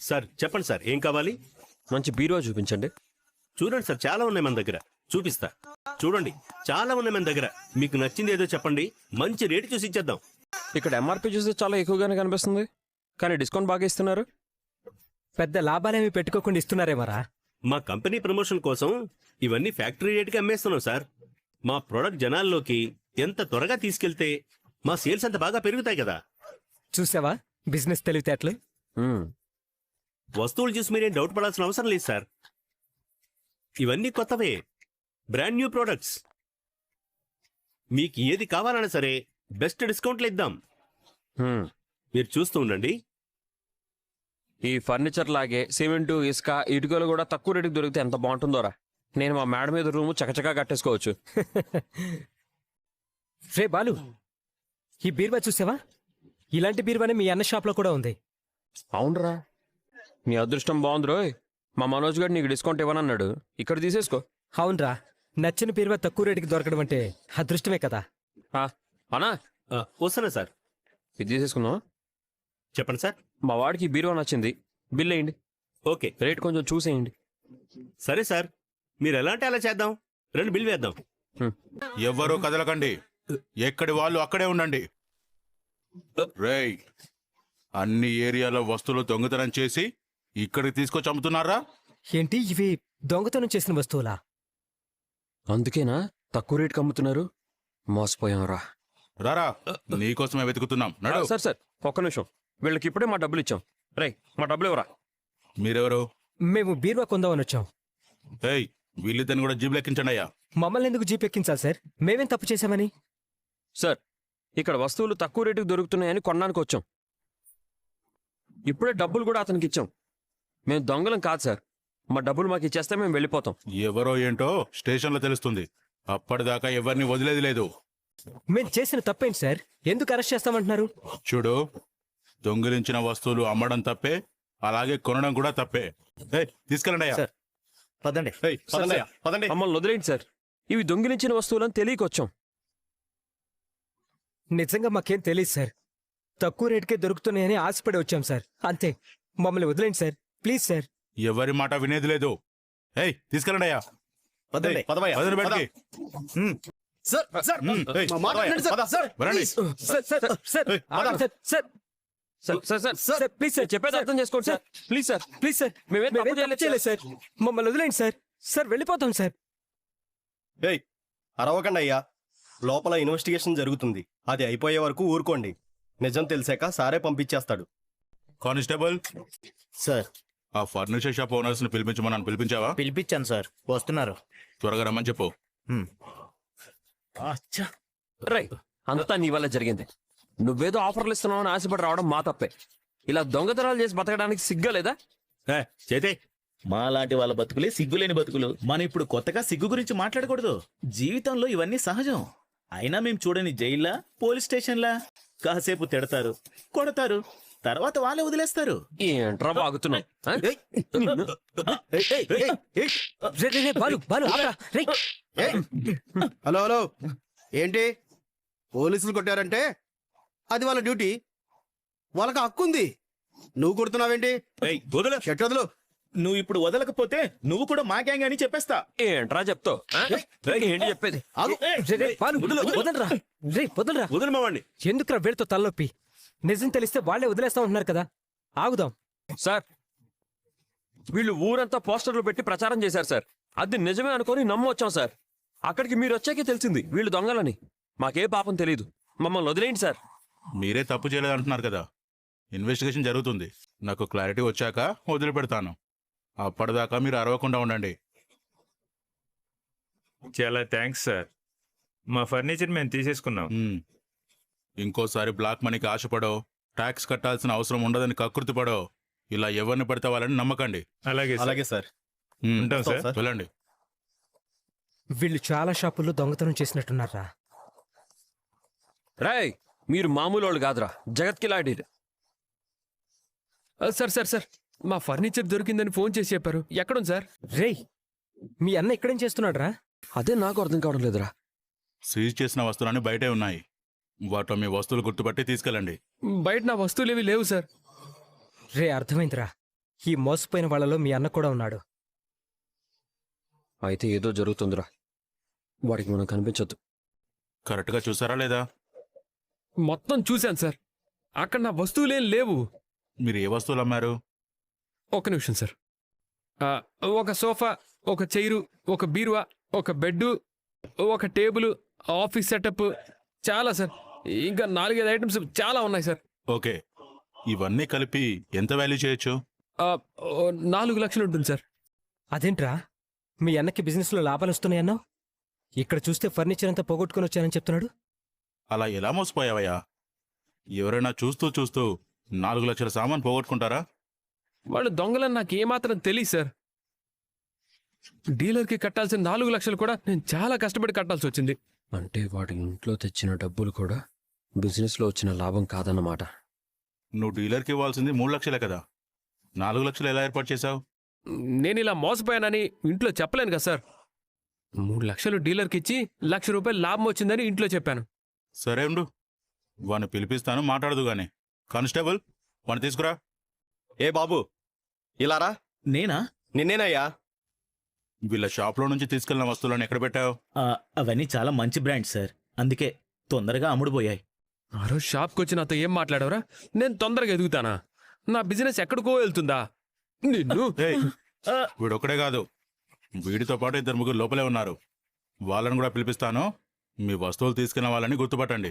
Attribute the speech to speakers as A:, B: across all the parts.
A: Sir చెప్పండి sir, ఏం కావాలి?
B: మంచి బీరువా చూపించండి.
A: చూడండి సార్, చాలా ఉన్నాయి మన దగ్గర. చూపిస్తా, చూడండి, చాలా ఉన్నాయి మన దగ్గర. మీకు నచ్చింది ఏదో చెప్పండి, మంచి రేటు చూసి ఇచ్చేద్దాం.
B: ఇక్కడ ఎంఆర్పి చూస్తే చాలా ఎక్కువగానే కనిపిస్తుంది, కానీ డిస్కౌంట్ బాగా ఇస్తున్నారు.
C: పెద్ద లాభాలేమి పెట్టుకోకుండా ఇస్తున్నారేమరా?
A: మా కంపెనీ ప్రమోషన్ కోసం ఇవన్నీ ఫ్యాక్టరీ రేటుకి అమ్మేస్తున్నాం సార్. మా ప్రొడక్ట్ జనాల్లోకి ఎంత త్వరగా తీసుకెళ్తే మా సేల్స్ అంత బాగా పెరుగుతాయి కదా.
C: చూసావా బిజినెస్ తెలివితేటలు?
A: వస్తువులు చూసి మీరేం డౌట్ పడాల్సిన అవసరం లేదు సార్. ఇవన్నీ కొత్తవే, బ్రాండ్ న్యూ ప్రొడక్ట్స్. మీకు ఏది కావాలన్నా సరే బెస్ట్ డిస్కౌంట్లు ఇద్దాం. మీరు చూస్తూ ఉండండి.
B: ఈ ఫర్నిచర్ లాగే సిమెంటు, ఇసుక, ఇటుకలు కూడా తక్కువ రేటుకి దొరికితే ఎంత బాగుంటుందోరా. నేను మా మేడ మీద రూము చకచకా కట్టేసుకోవచ్చు.
C: రే బాలు, ఈ బీరువా చూసావా? ఇలాంటి బీరువానే మీ అన్న షాప్లో కూడా ఉంది.
B: అవునరా, నీ అదృష్టం బాగుంది రోయ్. మా మనోజ్ గారు నీకు డిస్కౌంట్ ఇవ్వనన్నాడు, ఇక్కడ తీసేసుకో.
C: అవునరా, నచ్చిన బీరువా తక్కువ రేటుకి దొరకడం అంటే అదృష్టమే కదా.
B: అనా
A: వస్తున్నా సార్.
B: ఇది తీసేసుకుందాం.
A: చెప్పండి సార్.
B: మా వాడికి బీరువా నచ్చింది, బిల్ వేయండి.
A: ఓకే,
B: రేట్ కొంచెం చూసేయండి.
A: సరే సార్, మీరు ఎలా అంటే అలా చేద్దాం. రెండు బిల్ వేద్దాం.
D: ఎవ్వరూ కదలకండి, ఎక్కడి వాళ్ళు అక్కడే ఉండండి. రేయ్, అన్ని ఏరియాలో వస్తువులు దొంగతనం చేసి ఇక్కడికి తీసుకొచ్చి అమ్ముతున్నారా?
C: ఏంటి ఇవి దొంగతనం చేసిన వస్తువులా?
B: అందుకేనా తక్కువ రేటుకి అమ్ముతున్నారు? మోసపోయాంరా.
D: రారా, నీకోసమే వెతుకుతున్నాం. నడు.
B: సార్ సార్ ఒక్క నిమిషం, వీళ్ళకి ఇప్పుడే మా డబ్బులు ఇచ్చాం. రేయ్, మా డబ్బులు ఇవ్వరా.
D: మీరెవరు?
C: మేము బీరువా కొందామని వచ్చాం.
D: ఏయ్, వీళ్ళిద్దరిని కూడా జీబులు ఎక్కించండి అయ్యా.
C: మమ్మల్ని ఎందుకు జీప్ ఎక్కించాలి సార్? మేమేం తప్పు చేశామని?
B: సార్, ఇక్కడ వస్తువులు తక్కువ రేటుకి దొరుకుతున్నాయని కొనడానికి వచ్చాం. ఇప్పుడే డబ్బులు కూడా అతనికి ఇచ్చాం. మేము దొంగలం కాదు సార్, మా డబ్బులు మాకు ఇచ్చేస్తే మేము వెళ్ళిపోతాం.
D: ఎవరో ఏంటో స్టేషన్లో తెలుస్తుంది. అప్పటిదాకా ఎవరిని వదిలేది లేదు.
C: మేము చేసిన తప్పేంటి సార్? ఎందుకు అరెస్ట్ చేస్తామంటున్నారు?
D: చూడు, దొంగిలించిన వస్తువులు అమ్మడం తప్పే, అలాగే కొనడం కూడా తప్పే. ఏయ్, తీసుకెళ్ళండి అయ్యా.
A: పదండి.
D: ఏయ్, పదండి అయ్యా, పదండి.
B: మమ్మల్ని వదిలేండి సార్, ఇవి దొంగిలించిన వస్తువులని తెలియకొచ్చాం.
C: నిజంగా మాకేం తెలియదు సార్. తక్కువ రేటుకే దొరుకుతున్నాయని ఆశపడి వచ్చాం సార్, అంతే. మమ్మల్ని వదిలేండి సార్, ప్లీజ్ సార్.
D: ఎవరి మాట వినేది లేదు. ఏయ్, తీసుకెళ్ళండి అయ్యా. పదండి బయటికి.
C: సార్ సార్
D: ఏయ్,
C: మా మాట వినండి సార్. సార్
D: వరండి.
C: సార్ సార్ సార్ ఆగండి sir. Sir
B: sir sir sir please sir, చెప్పేది అర్థం చేసుకోండి sir. Please sir,
C: please sir,
B: మేమేం తప్పు
C: చేయలేదు సార్. మమ్మల్ని వదిలేండి సార్. సార్ వెళ్ళిపోతాం సార్.
E: ఏయ్, అరవకండి అయ్యా, లోపల ఇన్వెస్టిగేషన్ జరుగుతుంది. అది అయిపోయే వరకు ఊరుకోండి. నిజం తెలిసాక సారే పంపించేస్తాడు.
D: కానిస్టేబుల్
F: సార్,
D: ఆ ఫర్నిచర్ షాప్ ఓనర్స్ ని పిలిపించమని పిలిపించావా?
F: పిలిపించాను సార్, వస్తున్నారు.
D: త్వరగా రమ్మని చెప్పు.
B: రై, అంతా నీ వల్ల జరిగింది. నువ్వేదో ఆఫర్లు ఇస్తున్నావు అని ఆశపడి రావడం మా తప్పే. ఇలా దొంగతనాలు చేసి బతకడానికి సిగ్గా లేదా?
A: చేతే
F: మా లాంటి వాళ్ళ బతుకులే సిగ్గులేని బతుకులు. మనం ఇప్పుడు కొత్తగా సిగ్గు గురించి మాట్లాడకూడదు. జీవితంలో ఇవన్నీ సహజం. అయినా మేము చూడని జైల్లా, పోలీస్ స్టేషన్లా కాసేపు తిడతారు, కొడతారు, తర్వాత వాళ్ళే వదిలేస్తారు.
B: ఏంట్రా బాగుతున్నావు?
E: హలో హలో, ఏంటి పోలీసులు కొట్టారంటే అది వాళ్ళ డ్యూటీ, వాళ్ళకి హక్కు ఉంది. నువ్వు కొడుతున్నావేంటి? షర్ట్ వదులు.
F: నువ్వు ఇప్పుడు వదలకపోతే నువ్వు కూడా మా గ్యాంగ్ అని చెప్పేస్తా.
B: ఏంట్రా చెప్తావు? ఏంటి చెప్పేది?
A: వదిలి మావాడిని.
C: ఎందుకురా వీళ్ళతో తలనొప్పి? నిజం తెలిస్తే వాళ్ళే వదిలేస్తా ఉంటున్నారు కదా. ఆగుదాం
B: సార్. వీళ్ళు ఊరంతా పోస్టర్లు పెట్టి ప్రచారం చేశారు సార్. అది నిజమే అనుకొని నమ్మొచ్చాం సార్. అక్కడికి మీరు వచ్చాకే తెలిసింది వీళ్ళు దొంగలని. మాకే పాపం తెలీదు, మమ్మల్ని వదిలేయండి సార్.
D: మీరే తప్పు చేయలేదు అంటున్నారు కదా. ఇన్వెస్టిగేషన్ జరుగుతుంది. నాకు క్లారిటీ వచ్చాక వదిలిపెడతాను. అప్పటిదాకా మీరు అరవకుండా ఉండండి.
G: చాలా థ్యాంక్స్ సార్. మా ఫర్నిచర్ మేము తీసేసుకున్నాం.
D: ఇంకోసారి బ్లాక్ మనీకి ఆశపడో, ట్యాక్స్ కట్టాల్సిన అవసరం ఉండదని కకృతి పడో, ఇలా ఎవరిని పడితే వాళ్ళని నమ్మకండి.
G: అలాగే
E: అలాగే సార్.
G: ఉంటాం సార్.
D: వెళ్ళండి.
C: వీళ్ళు చాలా షాపుల్లో దొంగతనం చేసినట్టున్నారా?
B: రాయ్, మీరు మామూలు వాళ్ళు కాదురా, జగత్కిలాడి.
H: సార్ సార్ సార్ మా ఫర్నిచర్ దొరికిందని ఫోన్ చేసి చెప్పారు. ఎక్కడుంది సార్?
C: రేయ్, మీ అన్న ఇక్కడేం చేస్తున్నాడు రా?
B: అదే నాకు అర్థం కావడం లేదురా.
D: సీజ్ చేసిన వస్తువులన్నీ బయటే ఉన్నాయి. వాటిలో మీ వస్తువులు గుర్తుపట్టి తీసుకెళ్ళండి.
H: బయట నా వస్తువులు ఏవి లేవు సార్.
C: రే, అర్థమైందిరా. ఈ మోసపోయిన వాళ్ళలో మీ అన్న కూడా ఉన్నాడు.
B: అయితే ఏదో జరుగుతుందిరా, వాడికి మనం కనిపించొద్దు.
D: కరెక్ట్గా చూసారా లేదా?
H: మొత్తం చూశాను సార్. అక్కడ నా వస్తువులేం లేవు.
D: మీరు ఏ వస్తువులు అమ్మారు?
H: ఒక్క నిమిషం సార్. ఒక సోఫా, ఒక చైరు, ఒక బీరువా, ఒక బెడ్డు, ఒక టేబుల్, ఆఫీస్ సెటప్, చాలా సార్. ఇంకా 4-5 ఐటమ్స్ చాలా ఉన్నాయి సార్.
D: ఓకే, ఇవన్నీ కలిపి ఎంత వాల్యూ చేయొచ్చు?
H: 4 లక్షలు ఉంటుంది సార్.
C: అదేంట్రా, మీ అన్నకి బిజినెస్లో లాభాలు వస్తున్నాయన్నావు, ఇక్కడ చూస్తే ఫర్నిచర్ అంతా పోగొట్టుకుని వచ్చానని చెప్తున్నాడు.
D: అలా ఎలా మోసపోయావయ్యా? ఎవరైనా చూస్తూ చూస్తూ 4 లక్షల సామాన్ పోగొట్టుకుంటారా?
H: వాళ్ళు దొంగలని నాకు ఏమాత్రం తెలియదు సార్. డీలర్కి కట్టాల్సిన 4 లక్షలు కూడా నేను చాలా కష్టపడి కట్టాల్సి వచ్చింది.
B: అంటే వాడి ఇంట్లో తెచ్చిన డబ్బులు కూడా బిజినెస్లో వచ్చిన లాభం కాదన్నమాట.
D: నువ్వు డీలర్కి ఇవ్వాల్సింది 3 లక్షలే కదా, 4 లక్షలు ఎలా ఏర్పాటు చేశావు?
H: నేను ఇలా మోసపోయానని ఇంట్లో చెప్పలేను కదా సార్. 3 లక్షలు డీలర్కి ఇచ్చి 1 లక్ష రూపాయలు లాభం వచ్చిందని ఇంట్లో చెప్పాను.
D: సరే ఉండు, వాడిని పిలిపిస్తాను, మాట్లాడదు గాని. కానిస్టేబుల్, వాడిని తీసుకురా.
E: ఏ బాబు, ఇలారా.
F: నేనా?
E: నిన్నేనయ్యా.
D: వీళ్ళ షాప్లో నుంచి తీసుకెళ్లిన వస్తువులను ఎక్కడ పెట్టావు?
F: అవన్నీ చాలా మంచి బ్రాండ్ సార్, అందుకే తొందరగా అమ్ముడుపోయాయి.
H: ఆ రోజు షాప్కి వచ్చి నాతో ఏం మాట్లాడవరా? నేను తొందరగా ఎదుగుతానా? నా బిజినెస్ ఎక్కడికో వెళ్తుందా? నిన్ను
D: ఏయ్, వీడొక్కడే కాదు, వీడితో పాటు 2-3 లోపలే ఉన్నారు. వాళ్ళని కూడా పిలిపిస్తాను. మీ వస్తువులు తీసుకున్న వాళ్ళని గుర్తుపట్టండి.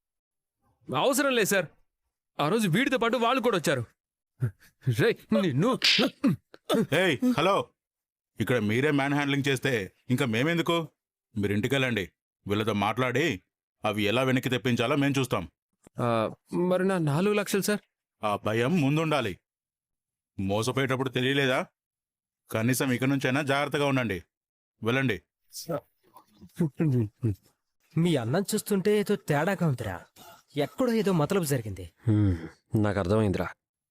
H: అవసరం లేదు సార్. ఆ రోజు వీడితో పాటు వాళ్ళు కూడా వచ్చారు. రేయ్, నిన్ను
D: ఏయ్ హలో, ఇక్కడ మీరే మ్యాన్ హ్యాండ్లింగ్ చేస్తే ఇంకా మేమెందుకు? మీరు ఇంటికెళ్ళండి, వీళ్ళతో మాట్లాడి అవి ఎలా వెనక్కి తెప్పించాలో మేము చూస్తాం.
H: మరి నా 4 లక్షలు సార్?
D: ఆ భయం ముందుండాలి. మోసపోయేటప్పుడు తెలియలేదా? కనీసం ఇక నుంచైనా జాగ్రత్తగా ఉండండి. వెళ్ళండి.
C: మీ అన్నం చూస్తుంటే ఏదో తేడాగా ఉందిరా, ఎక్కడో ఏదో మతలబు జరిగింది.
B: నాకు అర్థమైందిరా.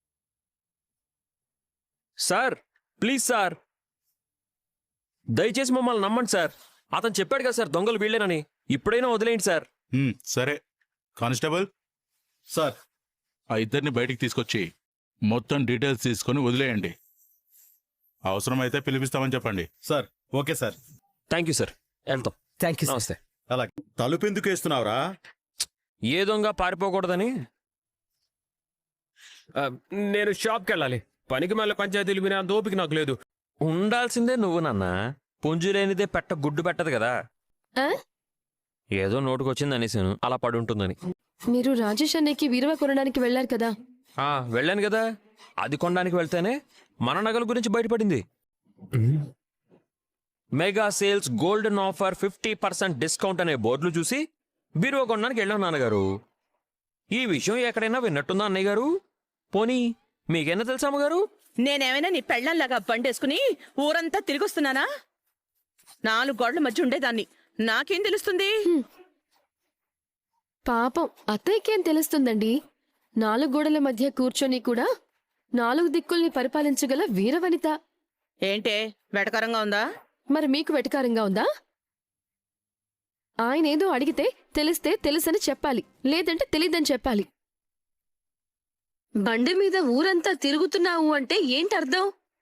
B: సార్, ప్లీజ్ సార్, దయచేసి మమ్మల్ని నమ్మండి సార్. అతను చెప్పాడు కదా సార్ దొంగలు వీళ్ళేనని. ఇప్పుడైనా వదిలేయండి సార్.
D: సరే కానిస్టేబుల్
E: సార్,
D: ఆ ఇద్దరిని బయటికి తీసుకొచ్చి మొత్తం డీటెయిల్స్ తీసుకొని వదిలేయండి. అవసరమైతే పిలిపిస్తామని చెప్పండి.
E: Sir. Okay sir.
B: Thank you sir. వెళ్తాం.
C: Thank you sir.
B: నమస్తే.
E: అలాగే. తలుపు ఎందుకు వేస్తున్నావురా?
B: ఏ దొంగ పారిపోకూడదని.
H: నేను షాప్కి వెళ్ళాలి. పనికి మళ్ళీ పంచాయతీలు వినే అంత ఓపిక నాకు లేదు.
B: ఉండాల్సిందే నువ్వు నాన్న. పుంజులేనిదే పెట్ట గుడ్డు పెట్టదు కదా.
I: ఆ?
B: ఏదో నోటుకొచ్చింది అనేసాను, అలా పడుంటుందని.
I: మీరు రాజేష్ అన్నయ్యకి వీరవ కొనడానికి వెళ్ళారు కదా?
B: వెళ్ళాను కదా. అది కొనడానికి వెళ్తేనే మన నగల గురించి బయటపడింది. Mega sales golden offer 50% discount అనే బోర్డులు చూసి బీరువా కొనడానికి వెళ్ళాం నాన్నగారు. ఈ విషయం ఎక్కడైనా విన్నట్టుందా అన్నయ్య గారు? పోనీ మీకైనా తెలుసా అమ్మగారు?
J: నేనేమైనా నీ పెళ్ళంలాగా బండేసుకుని ఊరంతా తిరిగొస్తున్నానా? 4 గోడల మధ్య ఉండేదాన్ని, నాకేం తెలుస్తుంది?
I: పాపం అత్తయ్యకేం తెలుస్తుందండి? 4 గోడల మధ్య కూర్చొని కూడా 4 దిక్కుల్ని పరిపాలించగల వీరవనిత.
J: ఏంటే వెటకరంగా ఉందా?
I: మరి మీకు వెటకారంగా ఉందా? ఆయనేదో అడిగితే తెలిస్తే తెలుసని చెప్పాలి, లేదంటే తెలీదని చెప్పాలి. బండి మీద ఊరంతా తిరుగుతున్నావు అంటే ఏంటర్థం?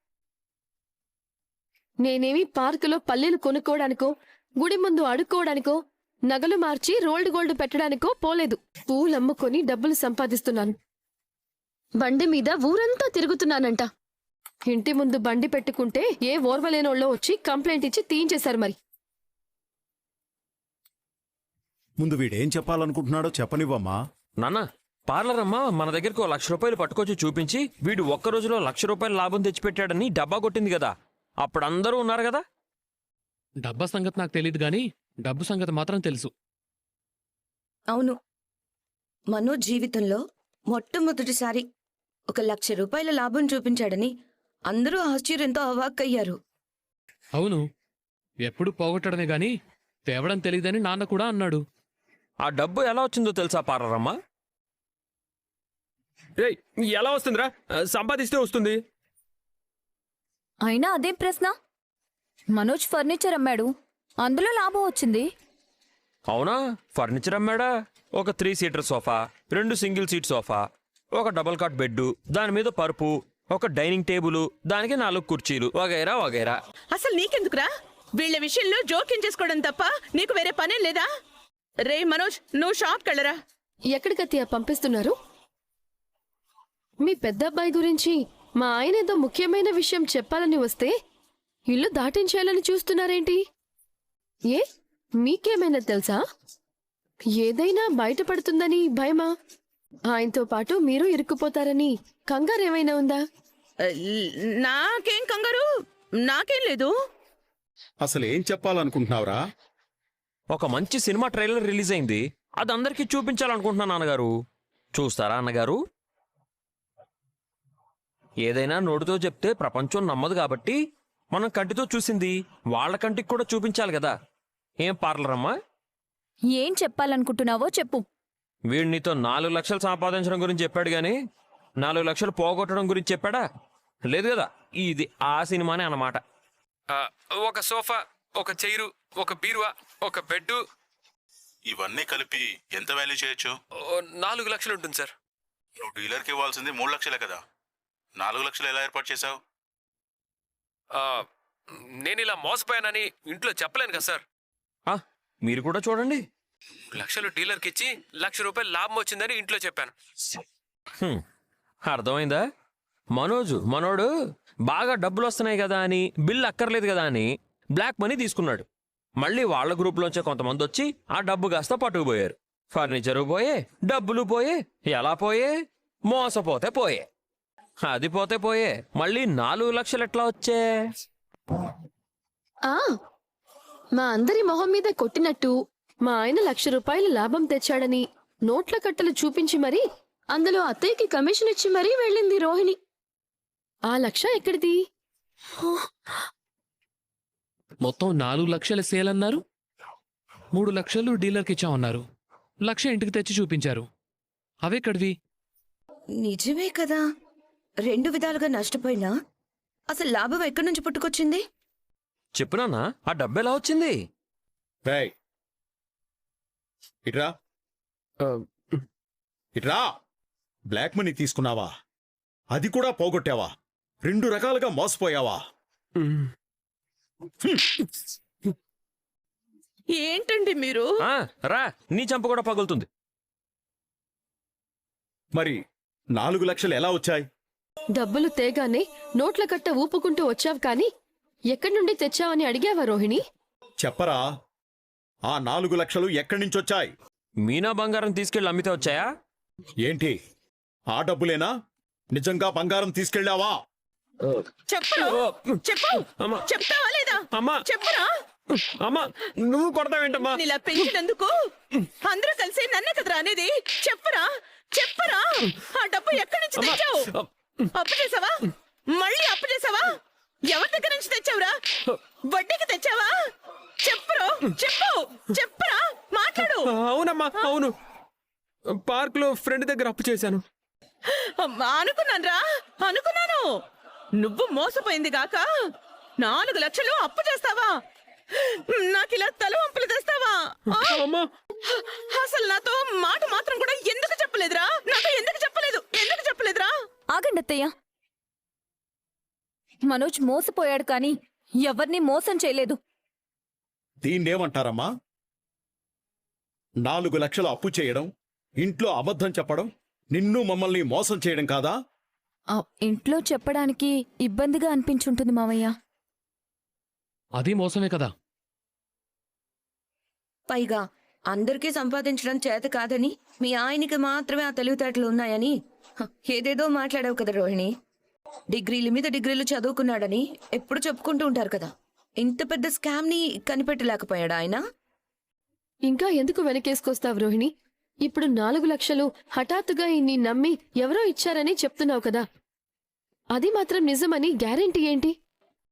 I: నేనేమి పార్కులో పల్లెలు కొనుక్కోవడానికో, గుడి ముందు అడుక్కోవడానికో, నగలు మార్చి రోల్డ్ గోల్డ్ పెట్టడానికో పోలేదు. పూలమ్ముకొని డబ్బులు సంపాదిస్తున్నాను. బండి మీద ఊరంతా తిరుగుతున్నానంట. ఇంటి ముందు బండి పెట్టుకుంటే ఏ ఓర్వలేనోళ్ళో వచ్చి కంప్లైంట్ ఇచ్చి తీయించేశారు. మరి
K: ముందు వీడేం చెప్పాలనుకుంటున్నాడో చెప్పనివ్వమ్మా.
B: నాన్న, పార్లర్ అమ్మ మన దగ్గరకు 1 లక్ష రూపాయలు పట్టుకొచ్చి చూపించి వీడు ఒక్క రోజులో 1 లక్ష రూపాయలు లాభం తెచ్చిపెట్టాడని డబ్బా కొట్టింది కదా. అప్పుడు అందరూ ఉన్నారు కదా.
H: డబ్బా సంగతి నాకు తెలియదు కానీ డబ్బు సంగతి మాత్రం తెలుసు.
L: అవును, మనోజ్ జీవితంలో మొట్టమొదటిసారి 1 లక్ష రూపాయల లాభం చూపించాడని అందరూ ఆశ్చర్యంతో అవాక్కయ్యారు.
H: అవును, ఎప్పుడు పోగొట్టడమే గాని తేవడం తెలియదని నాన్న కూడా అన్నాడు.
B: ఆ డబ్బు ఎలా వచ్చిందో తెలుసా పార్లర్ అమ్మ?
H: ఏయ్, ఎలా వస్తుందిరా? సంపాదిస్తే వస్తుంది.
L: అయినా అదేం ప్రశ్న? మనోజ్ ఫర్నిచర్ అమ్మాడు, అందులో లాభం వచ్చింది.
B: అవునా? ఫర్నిచర్ అమ్మాడా? ఒక 3 seater sofa, 2 single seat sofa, ఒక డబుల్ కాట్ బెడ్, దాని మీద పరుపు, ఒక డైనింగ్ టేబుల్, దానికి 4 కుర్చీలు, వగైరా వగైరా.
J: అసలు నీకెందుకురా వీళ్ళ విషయంలో జోక్యం చేసుకోవడం తప్ప నీకు వేరే పనే లేదా? రే మనోజ్, నువ్వు షాప్కి వెళ్ళరా.
I: ఎక్కడికత్తయ్య పంపిస్తున్నారు? మీ పెద్ద అబ్బాయి గురించి మా ఆయన ఏదో ముఖ్యమైన విషయం చెప్పాలని వస్తే ఇల్లు దాటించేయాలని చూస్తున్నారేంటి? ఏ మీకేమైనా తెలుసా? ఏదైనా బయటపడుతుందని భయమా? ఆయనతో పాటు మీరు ఇరుక్కుపోతారని కంగారేమైనా ఉందా?
J: నాకేం కంగారు, నాకేం లేదు.
K: అసలు ఏం చెప్పాలనుకుంటున్నావురా?
B: ఒక మంచి సినిమా ట్రైలర్ రిలీజ్ అయింది, అది అందరికీ చూపించాలనుకుంటున్నాను నాన్నగారు. చూస్తారా అన్నగారు? ఏదైనా నోటితో చెప్తే ప్రపంచం నమ్మదు కాబట్టి మనం కంటితో చూసింది వాళ్ళ కంటికి కూడా చూపించాలి కదా. ఏం పార్లర్ అమ్మా?
L: ఏం చెప్పాలనుకుంటున్నావో చెప్పు.
B: వీడు నీతో 4 లక్షలు సంపాదించడం గురించి చెప్పాడు గాని 4 లక్షలు పోగొట్టడం గురించి చెప్పాడా? లేదు కదా. ఇది ఆ సినిమానే అన్నమాట.
H: ఒక సోఫా, ఒక చైరు, ఒక బీరువా, ఒక బెడ్.
D: ఇవన్నీ కలిపి ఎంత వాల్యూ చేయొచ్చు?
H: 4 లక్షలు ఉంటుంది సార్.
D: నువ్వు డీలర్కి ఇవ్వాల్సింది 3 లక్షలే కదా. 4 లక్షలు ఎలా ఏర్పాటు చేశావు?
H: నేను ఇలా మోసపోయానని ఇంట్లో చెప్పలేను కదా సార్.
B: మీరు కూడా చూడండి.
H: 3 లక్షలు డీలర్కి ఇచ్చి ₹1,00,000 లాభం వచ్చిందని ఇంట్లో చెప్పాను.
B: అర్థమైందా? మనోడు బాగా డబ్బులు వస్తున్నాయి కదా అని, బిల్ అక్కర్లేదు కదా అని బ్లాక్ మనీ తీసుకున్నాడు. మళ్ళీ వాళ్ళ గ్రూప్లోంచే కొంతమంది వచ్చి ఆ డబ్బు కాస్త పట్టుకుపోయారు. ఫర్నిచరు పోయే, డబ్బులు పోయే. ఎలా పోయే? మోసపోతే పోయే. అది పోతే పోయే. మళ్ళీ 4 లక్షలు ఎట్లా వచ్చే?
I: మా అందరి మొహం మీద కొట్టినట్టు మా ఆయన ₹1,00,000 లాభం తెచ్చాడని నోట్ల కట్టలు చూపించి మరీ అందులో అత్తయ్యకి కమిషన్ ఇచ్చి మరీ వెళ్ళింది రోహిణి. ఆ 1,00,000 ఎక్కడిది?
M: మొత్తం 4 లక్షల సేల్ అన్నారు. 3 లక్షలు డీలర్కి ఇచ్చామన్నారు. 1,00,000 ఇంటికి తెచ్చి చూపించారు. అవెక్కడివి?
J: నిజమే కదా. 2 విధాలుగా నష్టపోయినా అసలు లాభం ఎక్కడి నుంచి పుట్టుకొచ్చింది?
B: చెప్పునానా, ఆ డబ్బు ఎలా వచ్చింది?
K: రేయ్, ఇట్రా ఇట్రా. బ్లాక్ మనీ తీసుకున్నావా? అది కూడా పోగొట్టావా? 2 రకాలుగా మోసపోయావా?
J: ఏంటండి మీరు?
B: రా, నీ చంప కూడా పగులుతుంది.
K: మరి 4 లక్షలు ఎలా వచ్చాయి?
I: డబ్బులు తేగానే నోట్ల కట్ట ఊపుకుంటూ వచ్చావు కానీ ఎక్కడి నుండి తెచ్చావని అడిగావా రోహిణి?
K: చెప్పరా, ఆ 4 లక్షలు ఎక్కడి నుంచి వచ్చాయి?
B: మీనా బంగారం తీసుకెళ్ళి అమ్మితే వచ్చాయా?
K: ఏంటి, ఆ డబ్బులేనా? నిజంగా బంగారం తీసుకెళ్ళావా?
J: చెప్పు, చెప్తావా లేదా? చెప్పురా.
B: అమ్మా, నువ్వు కొడతావేంటమ్మా?
J: ఇలా పెంచినందుకు అందరూ కలిసి నన్నే కదరా అనేది. చెప్పురా. ఆ డబ్బు ఎక్కడి నుంచి తెచ్చావు? అప్పు చేసావా? మళ్ళీ అప్పు చేసావా? ఎవరి దగ్గర నుంచి తెచ్చావురా? వడ్డీకి తెచ్చావా? చెప్పురా, మాట్లాడు.
H: అవునమ్మా, అవును. పార్క్ లో ఫ్రెండ్ దగ్గర అప్పు చేశాను.
J: అనుకున్నాను. నువ్వు మోసపోయింది గాక 4 లక్షలు అప్పు చేస్తావా? నాకిలా తల వంపులు తెస్తావా? అసలు నాతో మాట మాత్రం కూడా ఎందుకు చెప్పలేదురా? నాతో ఎందుకు చెప్పలేదురా?
L: ఆగండి అత్తయ్య. మనోజ్ మోసపోయాడు కానీ ఎవరిని మోసం చేయలేదు.
K: దీన్నేమంటారమ్మా? 4 లక్షలు అప్పు చేయడం, ఇంట్లో అబద్ధం చెప్పడం, నిన్ను మమ్మల్ని మోసం చేయడం కాదా?
L: ఇంట్లో చెప్పడానికి ఇబ్బందిగా అనిపించుంటుంది మావయ్య.
M: అది మోసమే కదా.
J: పైగా అందరికీ సంపాదించడం చేత కాదని, మీ ఆయనకి మాత్రమే ఆ తెలివితేటలు ఉన్నాయని ఏదేదో మాట్లాడావు కదా రోహిణి. డిగ్రీల మీద డిగ్రీలు చదువుకున్నాడని ఎప్పుడు చెప్పుకుంటూ ఉంటారు కదా. ఇంత పెద్ద స్కామ్ ని కనిపెట్టలేకపోయాడా ఆయన?
I: ఇంకా ఎందుకు వెనకేసుకొస్తావు రోహిణి? ఇప్పుడు 4 లక్షలు హఠాత్తుగా ఇన్ని నమ్మి ఎవరో ఇచ్చారని చెప్తున్నావు కదా. అది మాత్రం నిజమని గ్యారెంటీ ఏంటి?